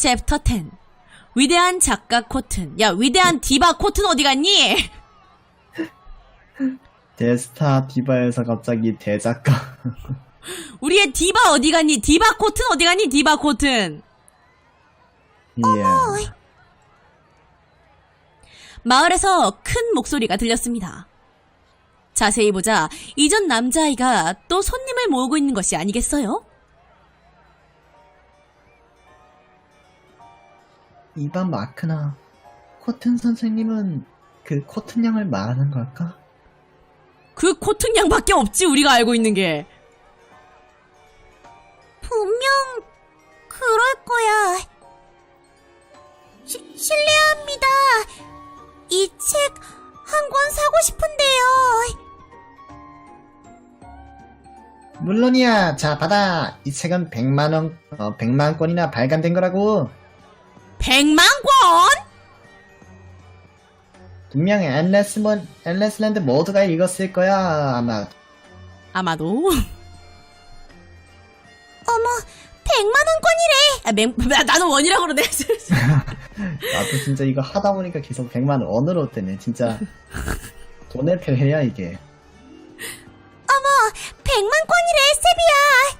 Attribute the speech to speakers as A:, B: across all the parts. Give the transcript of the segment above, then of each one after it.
A: 챕터 10 위대한 작가 코튼. 야, 위대한 디바 코튼 어디 갔니?
B: 데스타 디바에서 갑자기 대작가.
A: 우리의 디바 어디 갔니? 디바 코튼 어디 갔니? 디바 코튼.
B: 예.
A: 마을에서 큰 목소리가 들렸습니다. 자세히 보자 이전 남자아이가 또 손님을 모으고 있는 것이 아니겠어요?
B: 이반 마크나 코튼 선생님은 그 코튼 양을 말하는 걸까?
A: 그 코튼 양밖에 없지, 우리가 알고 있는 게.
C: 분명 그럴 거야. 실례합니다. 이 책 한 권 사고 싶은데요.
B: 물론이야. 자, 받아. 이 책은 100만 권이나 발간된 거라고.
A: 100만 권?
B: 분명 앨리스랜드 모두가 읽었을 거야, 아마.
A: 아마도.
C: 어머, 100만 원권이래.
A: 나는 원이라고 그러네.
B: 나도 진짜 이거 하다 보니까 계속 100만 원으로 뜨네. 진짜 돈의 표해야 이게.
C: 어머, 100만 권이래, 세비야.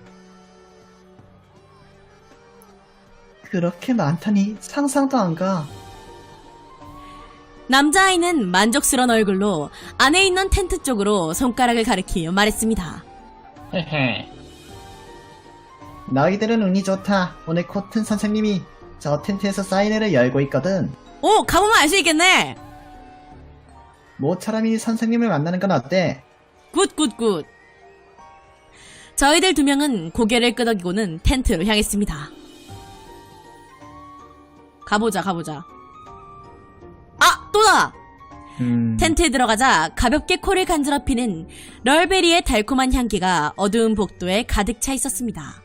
B: 그렇게 많다니 상상도 안 가.
A: 남자아이는 만족스러운 얼굴로 안에 있는 텐트 쪽으로 손가락을 가리키며 말했습니다.
B: 헤헤. 너희들은 운이 좋다. 오늘 코튼 선생님이 저 텐트에서 사인회를 열고 있거든.
A: 오, 가보면 알 수 있겠네.
B: 모처럼 이 선생님을 만나는 건 어때?
A: 굿. 저희들 두 명은 고개를 끄덕이고는 텐트로 향했습니다. 가보자. 아, 또다! 텐트에 들어가자 가볍게 코를 간지럽히는 럴베리의 달콤한 향기가 어두운 복도에 가득 차 있었습니다.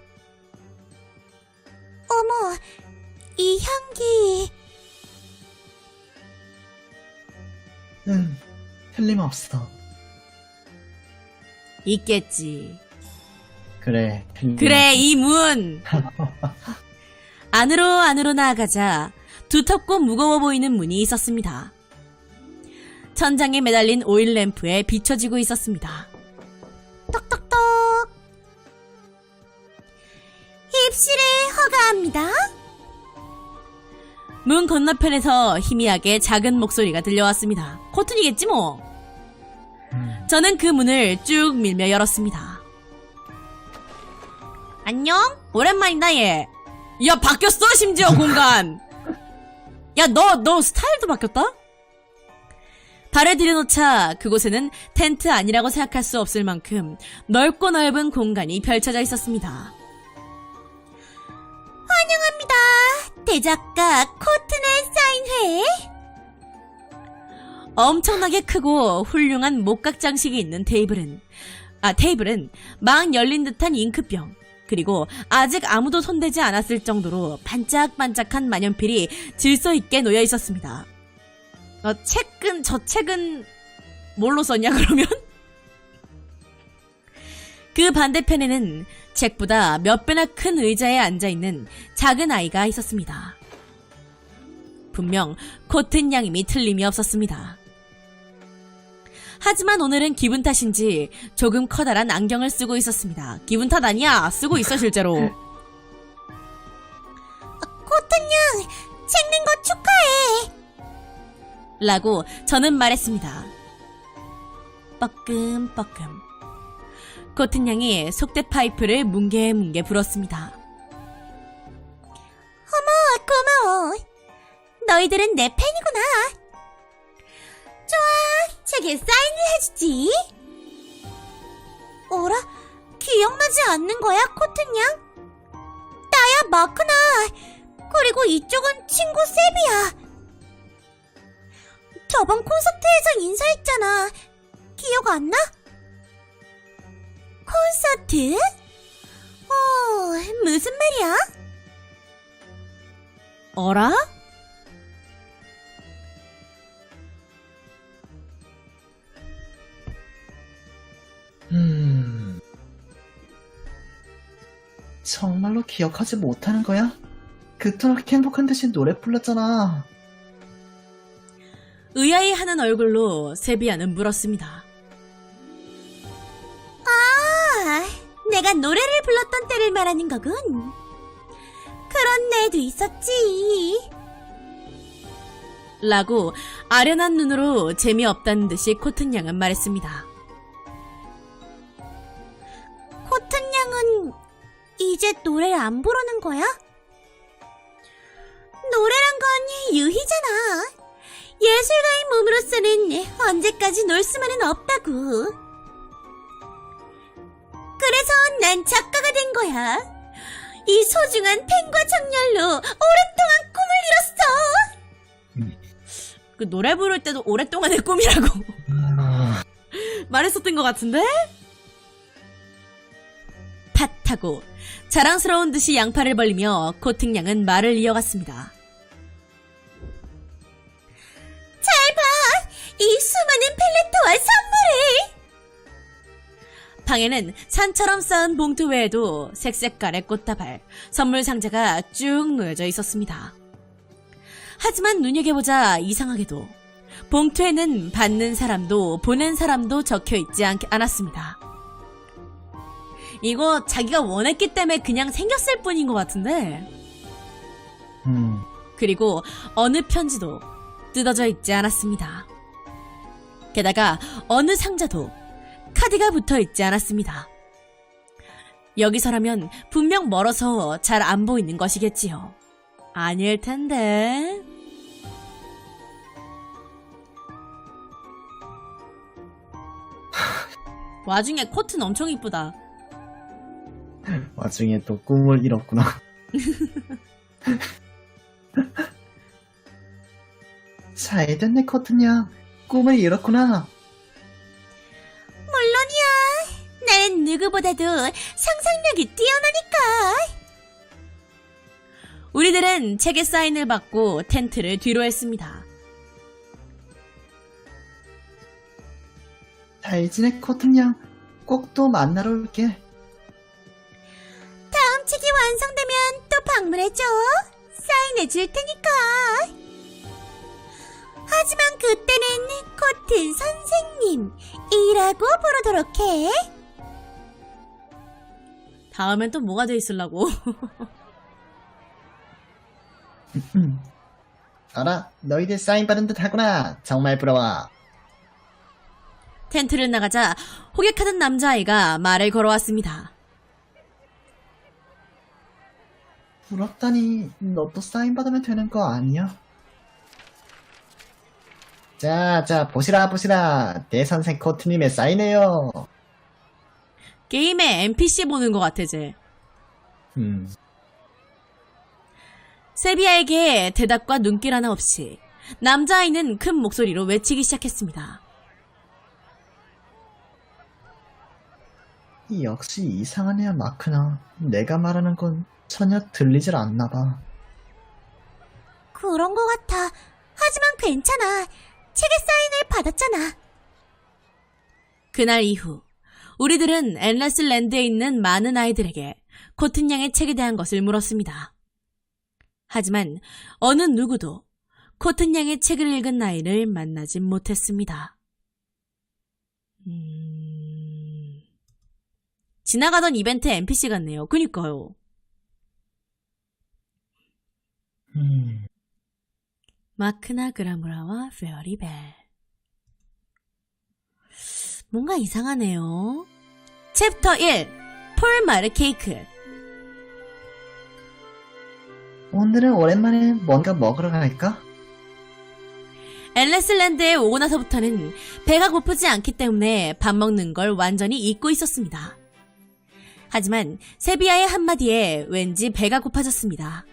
C: 어머, 이 향기.
B: 틀림없어.
A: 있겠지.
B: 그래, 틀림없어.
A: 그래, 이 문! 안으로 나아가자 두텁고 무거워 보이는 문이 있었습니다. 천장에 매달린 오일 램프에 비춰지고 있었습니다.
C: 똑똑똑. 입실을 허가합니다.
A: 문 건너편에서 희미하게 작은 목소리가 들려왔습니다. 코튼이겠지 뭐. 저는 그 문을 쭉 밀며 열었습니다. 안녕? 오랜만이다 얘. 야, 바뀌었어 심지어 공간. 야, 너 스타일도 바뀌었다? 발을 들여놓자 그곳에는 텐트 아니라고 생각할 수 없을 만큼 넓고 넓은 공간이 펼쳐져 있었습니다.
C: 환영합니다. 대작가 코튼의 사인회.
A: 엄청나게 크고 훌륭한 목각 장식이 있는 테이블은 막 열린 듯한 잉크병, 그리고 아직 아무도 손대지 않았을 정도로 반짝반짝한 만년필이 질서 있게 놓여 있었습니다. 저 책은 뭘로 썼냐 그러면? 그 반대편에는 책보다 몇 배나 큰 의자에 앉아있는 작은 아이가 있었습니다. 분명 코튼 양임이 틀림이 없었습니다. 하지만 오늘은 기분 탓인지 조금 커다란 안경을 쓰고 있었습니다. 기분 탓 아니야. 쓰고 있어 실제로.
C: 코튼 양, 책 낸 거 축하해.
A: 라고 저는 말했습니다. 뻐끔뻐끔. 코튼 양이 속대 파이프를 뭉게뭉게 불었습니다.
C: 고마워. 너희들은 내 팬이구나. 좋아, 책에 사인을 해주지. 어라? 기억나지 않는 거야, 코튼 양? 나야, 마크나. 그리고 이쪽은 친구 세비야. 저번 콘서트에서 인사했잖아. 기억 안 나? 콘서트? 무슨 말이야?
A: 어라?
B: 정말로 기억하지 못하는 거야? 그토록 행복한 듯이 노래 불렀잖아.
A: 의아해하는 얼굴로 세비야는 물었습니다.
C: 아, 내가 노래를 불렀던 때를 말하는 거군. 그런 날도 있었지.
A: 라고 아련한 눈으로 재미없다는 듯이 코튼 양은 말했습니다.
C: 코튼 양은 이제 노래를 안 부르는 거야? 노래란 건 유희잖아. 예술가의 몸으로서는 언제까지 놀 수만은 없다고. 그래서 난 작가가 된 거야. 이 소중한 펜과 정렬로 오랫동안 꿈을 이뤘어.
A: 그 노래 부를 때도 오랫동안의 꿈이라고 말했었던 것 같은데? 팥하고 자랑스러운 듯이 양팔을 벌리며 코튼 양은 말을 이어갔습니다.
C: 잘 봐! 이 수많은 펠레트와 선물을!
A: 방에는 산처럼 쌓은 봉투 외에도 색색깔의 꽃다발, 선물 상자가 쭉 놓여져 있었습니다. 하지만 눈여겨보자 이상하게도 봉투에는 받는 사람도 보낸 사람도 적혀있지 않았습니다. 이거 자기가 원했기 때문에 그냥 생겼을 뿐인 것 같은데. 그리고 어느 편지도 뜯어져 있지 않았습니다. 게다가 어느 상자도 카드가 붙어 있지 않았습니다. 여기서라면 분명 멀어서 잘 안 보이는 것이겠지요. 아닐 텐데. 와중에 코트는 엄청 이쁘다.
B: 와중에 또 꿈을 이뤘구나. 잘 됐네, 코튼야. 꿈을 이뤘구나.
C: 물론이야. 나는 누구보다도 상상력이 뛰어나니까.
A: 우리들은 책에 사인을 받고 텐트를 뒤로 했습니다.
B: 잘 지내, 코튼야. 꼭 또 만나러 올게.
C: 다음 책이 완성되면 또 방문해줘. 사인해 줄 테니까. 하지만 그때는 코튼 선생님이라고 부르도록 해.
A: 다음엔 또 뭐가 돼 있으려고.
B: 알아, 너희들 사인 받은 듯 하구나. 정말 부러워.
A: 텐트를 나가자 호객하던 남자아이가 말을 걸어왔습니다.
B: 부럽다니, 너도 사인 받으면 되는 거 아니야? 자, 보시라. 내 선생 코트님의 사인해요.
A: 게임에 NPC 보는 것 같아, 쟤. 세비야에게 대답과 눈길 하나 없이 남자아이는 큰 목소리로 외치기 시작했습니다.
B: 역시 이상한 애야, 마크나. 내가 말하는 건 전혀 들리질 않나 봐.
C: 그런 거 같아. 하지만 괜찮아. 책에 사인을 받았잖아.
A: 그날 이후 우리들은 앤레슬랜드에 있는 많은 아이들에게 코튼 양의 책에 대한 것을 물었습니다. 하지만 어느 누구도 코튼 양의 책을 읽은 아이를 만나진 못했습니다. 지나가던 이벤트 NPC 같네요. 그니까요. 마크나 그라무라와 페어리벨. 뭔가 이상하네요. 챕터 1 폴마르 케이크.
B: 오늘은 오랜만에 뭔가 먹으러 갈까?
A: 앨레슬랜드에 오고 나서부터는 배가 고프지 않기 때문에 밥 먹는 걸 완전히 잊고 있었습니다. 하지만 세비야의 한마디에 왠지 배가 고파졌습니다.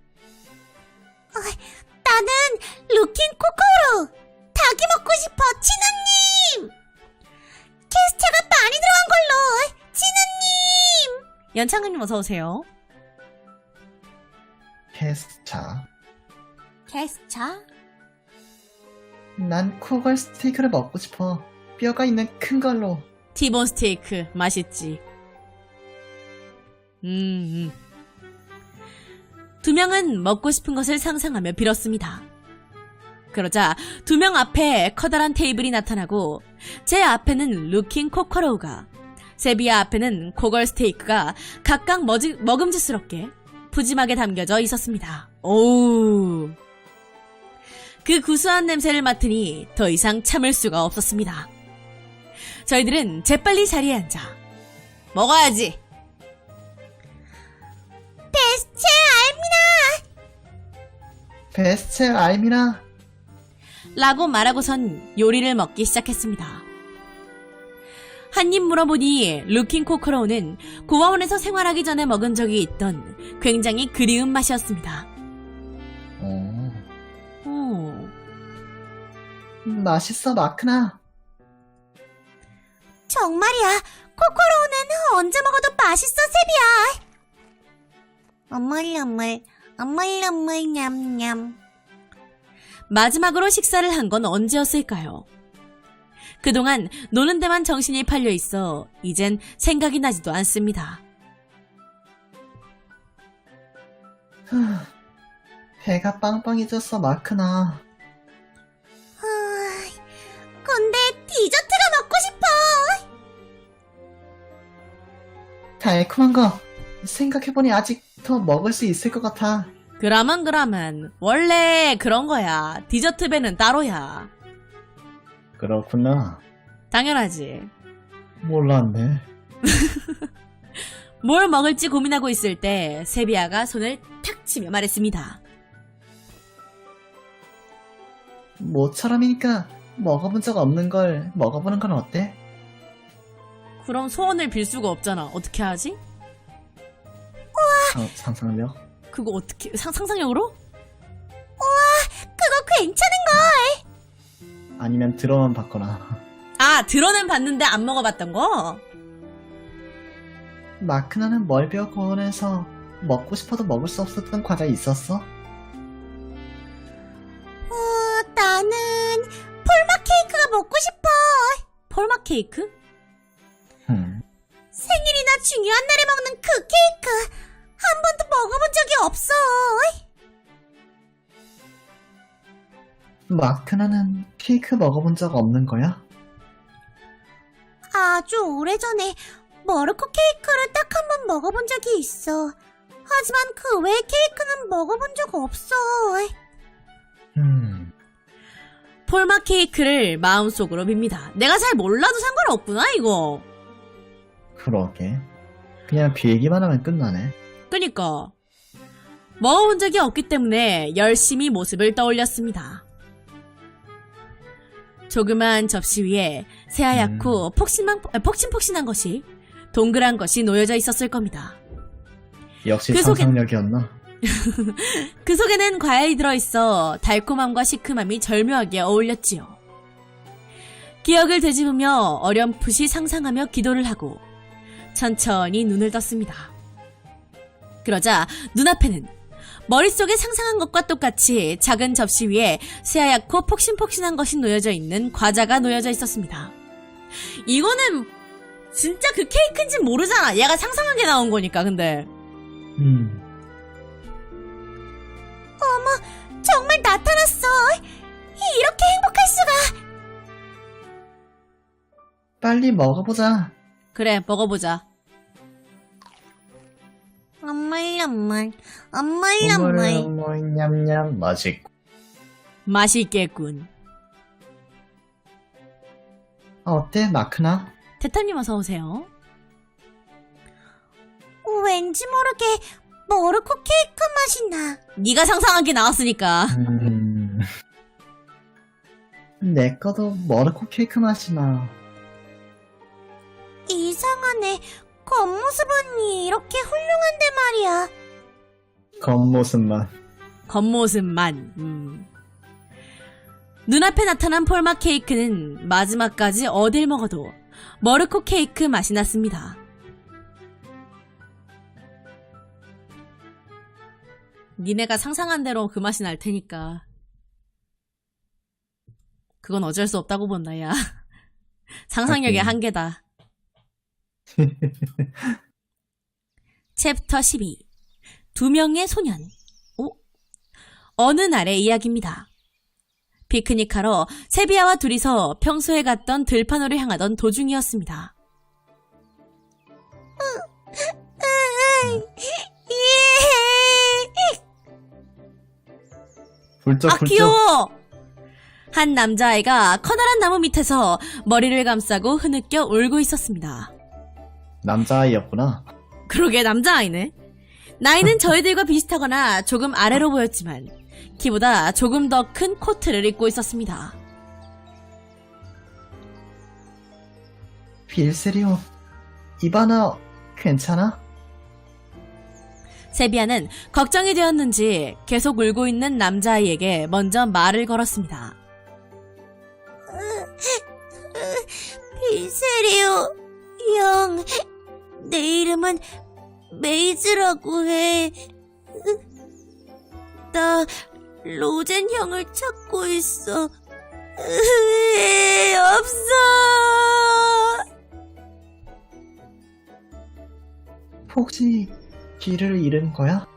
C: 나는 루킨 코코로 닭이 먹고 싶어. 진우님! 캐스차가 많이 들어간 걸로. 진우님!
A: 연창근님 어서오세요.
B: 캐스차.
C: 캐스차?
B: 난 코걸 스테이크를 먹고 싶어. 뼈가 있는 큰 걸로.
A: 티본 스테이크 맛있지. 두 명은 먹고 싶은 것을 상상하며 빌었습니다. 그러자 두 명 앞에 커다란 테이블이 나타나고 제 앞에는 루킹 코커로우가, 세비야 앞에는 코걸 스테이크가 각각 먹음직스럽게 푸짐하게 담겨져 있었습니다. 오우. 그 구수한 냄새를 맡으니 더 이상 참을 수가 없었습니다. 저희들은 재빨리 자리에 앉아 먹어야지!
C: 베스체
B: 베스트 알미나.
A: 라고 말하고선 요리를 먹기 시작했습니다. 한 입 물어보니 루킹 코커로우는 고아원에서 생활하기 전에 먹은 적이 있던 굉장히 그리운 맛이었습니다.
B: 맛있어, 마크나.
C: 정말이야. 코코로우는 언제 먹어도 맛있어, 세비야. 어물어물 냠냠.
A: 마지막으로 식사를 한 건 언제였을까요? 그동안 노는 데만 정신이 팔려 있어 이젠 생각이 나지도 않습니다.
B: 배가 빵빵해졌어, 마크나.
C: 근데 디저트가 먹고 싶어.
B: 달콤한 거 생각해보니 아직 더 먹을 수 있을 것 같아.
A: 그러면 원래 그런 거야. 디저트 배는 따로야.
B: 그렇구나.
A: 당연하지.
B: 몰랐네.
A: 뭘 먹을지 고민하고 있을 때 세비야가 손을 탁 치며 말했습니다.
B: 모처럼이니까 먹어본 적 없는 걸 먹어보는 건 어때?
A: 그럼 소원을 빌 수가 없잖아. 어떻게 하지?
B: 상상력.
A: 그거 어떻게 상상력으로?
C: 그거 괜찮은
B: 아니면 들어만 받거나.
A: 아, 들어는 봤는데 안 먹어봤던 거?
B: 마크나는 멀베어 고원에서 먹고 싶어도 먹을 수 없었던 과자 있었어?
C: 나는 폴맛 케이크가 먹고 싶어.
A: 폴맛 케이크?
C: 생일이나 중요한 날에 먹는 그 케이크. 한 번도 먹어본 적이 없어.
B: 마크나는 케이크 먹어본 적 없는 거야?
C: 아주 오래전에 머르코 케이크를 딱 한 번 먹어본 적이 있어. 하지만 그 외의 케이크는 먹어본 적 없어.
A: 폴맛 케이크를 마음속으로 빕니다. 내가 잘 몰라도 상관없구나, 이거.
B: 그러게. 그냥 빌기만 하면 끝나네.
A: 그니까. 먹어본 적이 없기 때문에 열심히 모습을 떠올렸습니다. 조그만 접시 위에 새하얗고 폭신폭신한 것이, 동그란 것이 놓여져 있었을 겁니다.
B: 역시
A: 그 속엔-
B: 상상력이었나?
A: 그 속에는 과일이 들어있어 달콤함과 시큼함이 절묘하게 어울렸지요. 기억을 되짚으며 어렴풋이 상상하며 기도를 하고 천천히 눈을 떴습니다. 그러자 눈앞에는 머릿속에 상상한 것과 똑같이 작은 접시 위에 새하얗고 폭신폭신한 것이 놓여져 있는 과자가 놓여져 있었습니다. 이거는 진짜 그 케이크인지 모르잖아. 얘가 상상한 게 나온 거니까. 근데
C: 정말 나타났어. 이렇게 행복할 수가.
B: 빨리 먹어보자.
A: 그래, 먹어보자.
C: 엄물
B: 냠냠 맛있고.
A: 맛있겠군.
B: 어때, 마크나?
A: 태타님 어서 오세요.
C: 왠지 모르게 머르코 케이크 맛이 나.
A: 네가 상상한 게 나왔으니까.
B: 내 거도 머르코 케이크 맛이 나.
C: 이상하네. 겉모습은 이렇게 훌륭한데 말이야.
B: 겉모습만.
A: 겉모습만. 눈앞에 나타난 폴맛 케이크는 마지막까지 어딜 먹어도 머르코 케이크 맛이 났습니다. 니네가 상상한 대로 그 맛이 날 테니까. 그건 어쩔 수 없다고 본다, 야. 상상력의
B: 하긴.
A: 한계다. 챕터 12. 두 명의 소년. 어느 날의 이야기입니다. 피크닉하러 세비야와 둘이서 평소에 갔던 들판으로 향하던 도중이었습니다.
B: 훌쩍훌쩍.
A: 귀여워! 한 남자아이가 커다란 나무 밑에서 머리를 감싸고 흐느껴 울고 있었습니다.
B: 남자아이였구나.
A: 그러게 남자아이네. 나이는 저희들과 비슷하거나 조금 아래로 보였지만 키보다 조금 더 큰 코트를 입고 있었습니다.
B: 빌세리오, 이바나 괜찮아?
A: 세비야는 걱정이 되었는지 계속 울고 있는 남자아이에게 먼저 말을 걸었습니다.
C: 빌세리오 형, 내 이름은 메이즈라고 해. 나 로젠 형을 찾고 있어. 없어.
B: 혹시 길을 잃은 거야?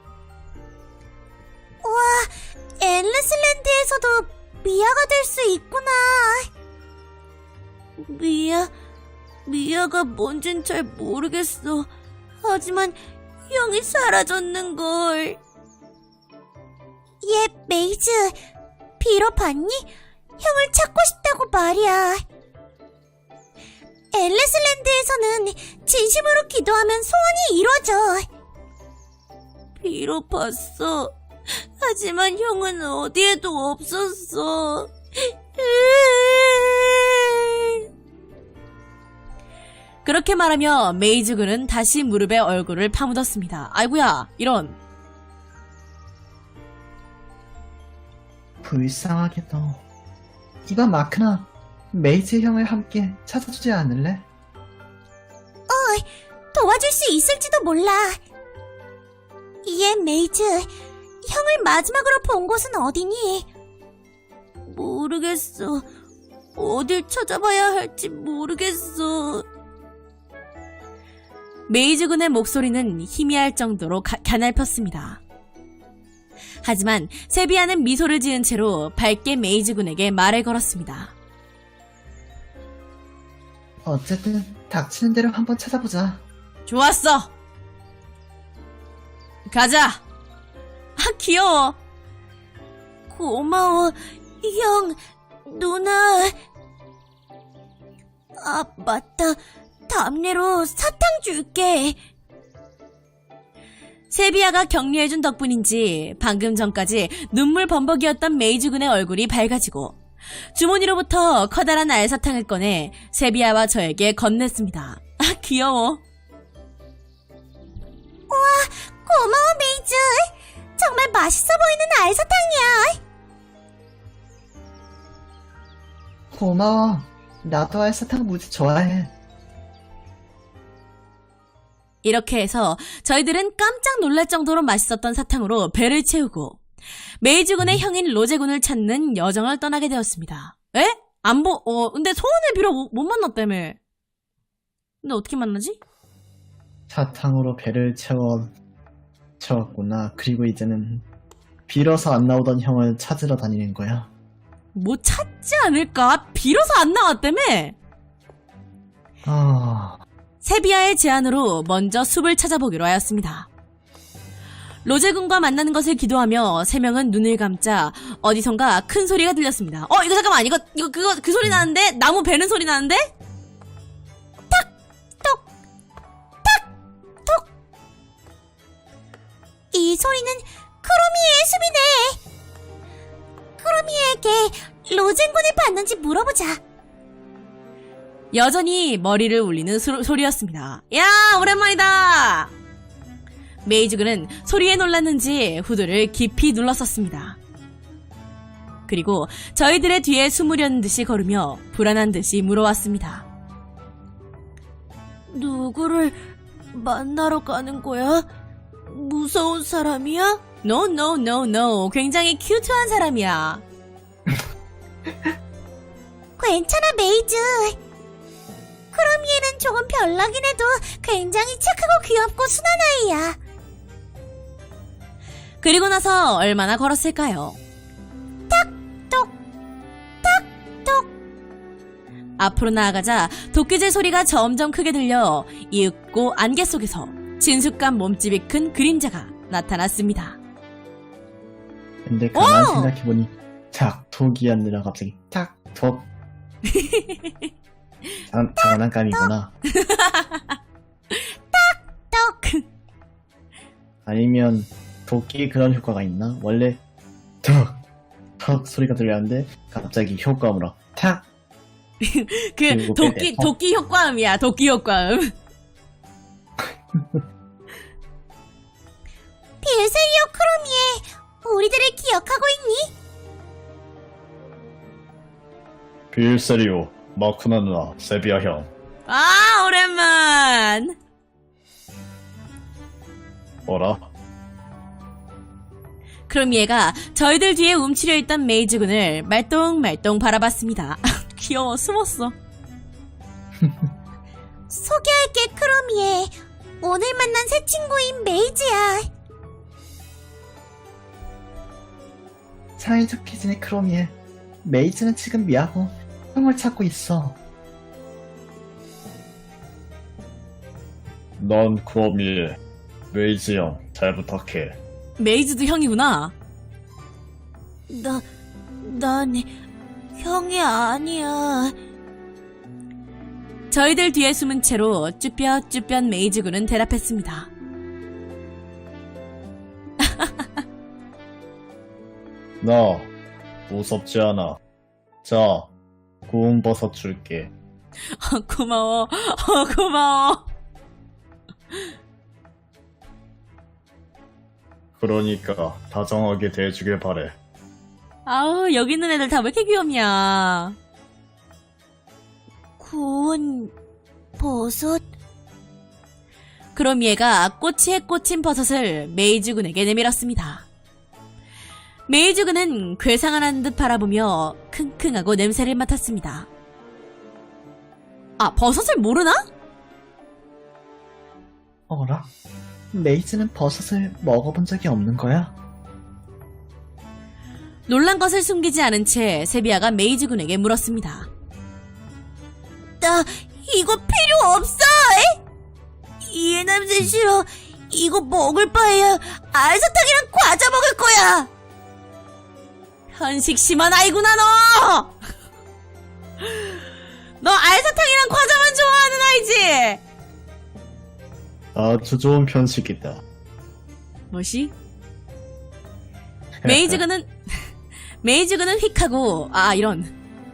C: 앨리스랜드에서도 미아가 될 수 있구나. 미아가 뭔진 잘 모르겠어. 하지만 형이 사라졌는걸. 얘 메이즈, 빌어봤니? 형을 찾고 싶다고 말이야. 앨리스랜드에서는 진심으로 기도하면 소원이 이루어져. 빌어봤어. 하지만 형은 어디에도 없었어.
A: 그렇게 말하며 메이즈군은 다시 무릎에 얼굴을 파묻었습니다. 아이고야, 이런.
B: 불쌍하게도. 이봐 마크나, 메이즈 형을 함께 찾아주지 않을래?
C: 도와줄 수 있을지도 몰라. 얘 메이즈, 형을 마지막으로 본 곳은 어디니? 모르겠어. 어딜 찾아봐야 할지 모르겠어.
A: 메이즈군의 목소리는 희미할 정도로 가냘폈습니다. 하지만 세비야는 미소를 지은 채로 밝게 메이즈군에게 말을 걸었습니다.
B: 어쨌든 닥치는 대로 한번 찾아보자.
A: 좋았어! 가자! 아, 귀여워!
C: 고마워, 형, 누나. 아, 맞다. 답례로 사탕 줄게.
A: 세비야가 격려해준 덕분인지 방금 전까지 눈물 범벅이었던 메이즈군의 얼굴이 밝아지고 주머니로부터 커다란 알사탕을 꺼내 세비야와 저에게 건넸습니다. 아, 귀여워.
C: 고마워, 메이즈. 정말 맛있어 보이는 알사탕이야.
B: 고마워. 나도 알사탕 무지 좋아해.
A: 이렇게 해서 저희들은 깜짝 놀랄 정도로 맛있었던 사탕으로 배를 채우고 메이즈군의 형인 로제군을 찾는 여정을 떠나게 되었습니다. 에? 근데 소원을 빌어 못 만났다며. 근데 어떻게 만나지?
B: 사탕으로 배를 채웠구나. 그리고 이제는 빌어서 안 나오던 형을 찾으러 다니는 거야.
A: 뭐 찾지 않을까? 빌어서 안 나왔다며? 세비야의 제안으로 먼저 숲을 찾아보기로 하였습니다. 로제군과 만나는 것을 기도하며 세 명은 눈을 감자 어디선가 큰 소리가 들렸습니다. 이거 잠깐만, 그 소리 나는데? 나무 베는 소리 나는데?
C: 이 소리는 크로미의 숲이네. 크로미에게 로젠군을 봤는지 물어보자.
A: 여전히 머리를 울리는 소리였습니다. 야, 오랜만이다! 메이즈군은 소리에 놀랐는지 후드를 깊이 눌렀었습니다. 그리고 저희들의 뒤에 숨으려는 듯이 걸으며 불안한 듯이 물어왔습니다.
C: 누구를 만나러 가는 거야? 무서운 사람이야?
A: No. 굉장히 큐트한 사람이야.
C: 괜찮아, 메이즈. 크로미에는 조금 별나긴 해도 굉장히 착하고 귀엽고 순한 아이야.
A: 그리고 나서 얼마나 걸었을까요?
C: 톡, 톡.
A: 앞으로 나아가자 도끼질 소리가 점점 크게 들려 이윽고 안개 속에서 진숙한 몸집이 큰 그림자가 나타났습니다.
B: 근데 가만
A: 오!
B: 생각해보니 탁톡이었느라 갑자기 탁톡. 장난감이구나.
C: 톡.
B: 아니면 도끼에 그런 효과가 있나? 원래 턱 소리가 들렸는데 갑자기 효과음으로 탁.
A: 그
B: 그리고
A: 도끼 효과음이야. 도끼 효과음.
C: 빌세리오 크로미에 우리들을 기억하고 있니?
B: 빌세리오, 마쿠나 누나, 세비야 형.
A: 아, 오랜만.
B: 뭐라?
A: 그럼 얘가 저희들 뒤에 움츠려 있던 메이즈군을 말똥말똥 바라봤습니다. 귀여워, 숨었어.
C: 소개할게 크로미에 오늘 만난 새 친구인 메이즈야.
B: 사이좋게 지내 크로미에. 메이즈는 지금 미하고 형을 찾고 있어. 넌 크로미에. 메이즈 형, 잘 부탁해.
A: 메이즈도 형이구나.
C: 난 형이 아니야.
A: 저희들 뒤에 숨은 채로 쭈뼛쭈뼛 메이즈군은 대답했습니다.
B: 나 무섭지 않아. 자, 구운 버섯 줄게.
A: 고마워. 고마워.
B: 그러니까 다정하게 대해주길 바래.
A: 아우, 여기 있는 애들 다 왜 이렇게 귀엽냐.
C: 구운 버섯?
A: 그럼 얘가 꼬치에 꽂힌 버섯을 메이즈군에게 내밀었습니다. 메이즈군은 괴상한 듯 바라보며 킁킁하고 냄새를 맡았습니다. 아, 버섯을 모르나?
B: 어라? 메이즈는 버섯을 먹어본 적이 없는 거야?
A: 놀란 것을 숨기지 않은 채 세비야가 메이즈군에게 물었습니다.
C: 나 이거 필요 없어! 이 냄새 싫어. 이거 먹을 바에야 알사탕이랑 과자 먹을 거야!
A: 편식 심한 아이구나, 너! 너 알사탕이랑 과자만 좋아하는 아이지?
B: 아주 좋은 편식이다.
A: 뭐시? 메이즈군은 휙 하고, 이런.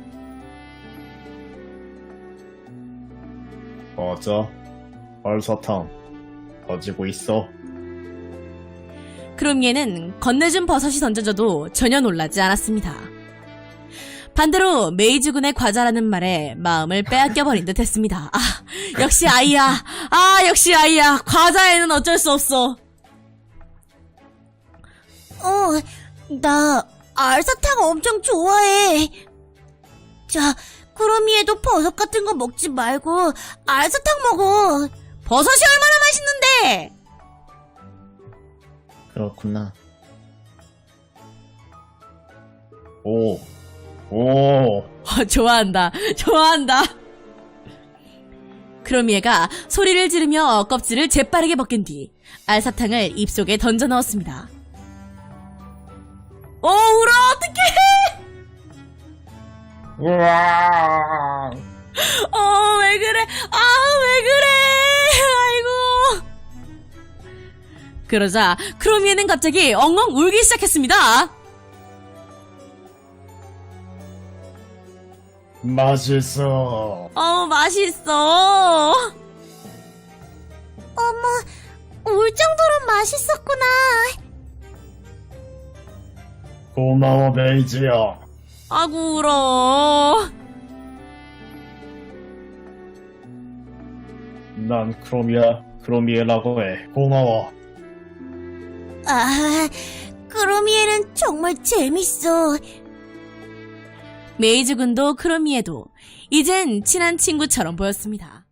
B: 맞아. 알사탕 가지고 있어.
A: 그럼 얘는 건네준 버섯이 던져져도 전혀 놀라지 않았습니다. 반대로 메이즈군의 과자라는 말에 마음을 빼앗겨버린 듯 했습니다. 역시 아이야. 역시 아이야. 과자에는 어쩔 수 없어.
C: 나 알사탕 엄청 좋아해. 자, 크로미에도 버섯 같은 거 먹지 말고 알사탕 먹어.
A: 버섯이 얼마나 맛있는데!
B: 그렇구나.
A: 좋아한다. 그럼 얘가 소리를 지르며 껍질을 재빠르게 벗긴 뒤 알사탕을 입속에 던져 넣었습니다. 울어, 어떡해!
B: 우와.
A: 왜 그래? 왜 그래? 아이고. 그러자 크로미에는 갑자기 엉엉 울기 시작했습니다.
B: 맛있어.
A: 맛있어.
C: 울 정도로 맛있었구나.
B: 고마워 메이지야.
A: 아구 울어.
B: 난 크로미에라고 해. 고마워.
C: 크로미에는 정말 재밌어.
A: 메이즈군도 크로미에도 이젠 친한 친구처럼 보였습니다.